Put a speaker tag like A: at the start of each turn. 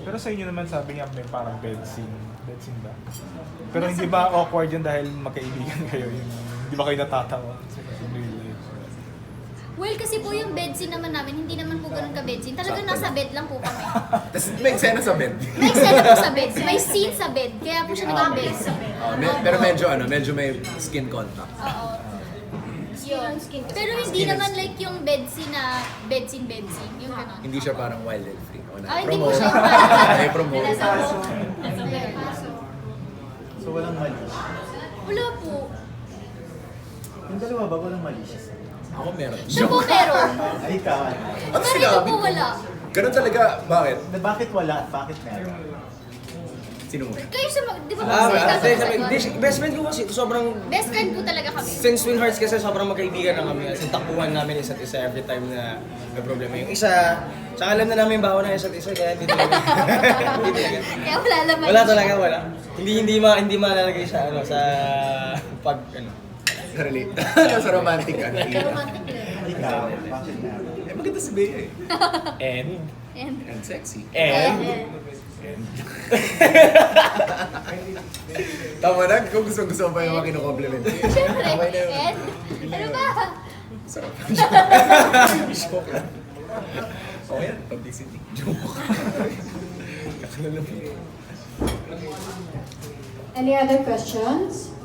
A: Pero sa inyo naman sabi niya may parang bed scene. Bed scene ba? Pero hindi ba awkward yun dahil magkaibigan kayo? Hindi ba kayo natatawa sa real life?
B: Well, kasi po yung bed scene naman namin, hindi naman po ganun ka-bed scene. Talagang nasa bed lang po kami.
C: Tapos may eksena sa bed.
B: May eksena po sa bed. May scene sa bed. Kaya po siya naging bed.
C: Pero medyo may skin contact.
B: Oo. Yun. Pero hindi naman like yung bed scene na bed scene. Yung ganun.
C: Hindi siya parang wild and free.
B: Hindi po siya
C: May promote.
D: So walang mali.
B: Wala po.
D: Yung dalawa ba walang mali siya?
C: Ako meron.
B: Siya po meron.
D: Ay, ikaw.
C: Ano
B: Pero ito
C: sinabi
B: po
C: ko?
B: wala.
C: Ganun talaga. Bakit?
D: Bakit wala at bakit meron?
C: Sino mo?
B: Kayo sa di ba
E: Best friend ko kasi sobrang
B: best friend po talaga kami.
E: since Twin Hearts kasi sobrang magkaibigan na kami. As in, takbuhan namin isa't isa every time na may problema yung isa. Tsaka alam na namin yung bawa ng isa't isa kaya hindi talaga. Hindi talaga.
B: Kaya wala naman.
E: Wala talaga, wala. Hindi malalagay sa sa pag
C: Sa relate. Sa romantic ano.
B: Romantic lang.
D: Ikaw, bakit meron?
C: Eh maganda si Bea eh.
E: and
C: And sexy. Tama na, kung gusto mo pa yung mga kinukompliment.
B: Siyempre.
C: Okay na yun.
B: And, ano ba?
C: Sarap. Joke lang. Oh yan, publicity. Joke. Kakalala mo.
F: Any other questions?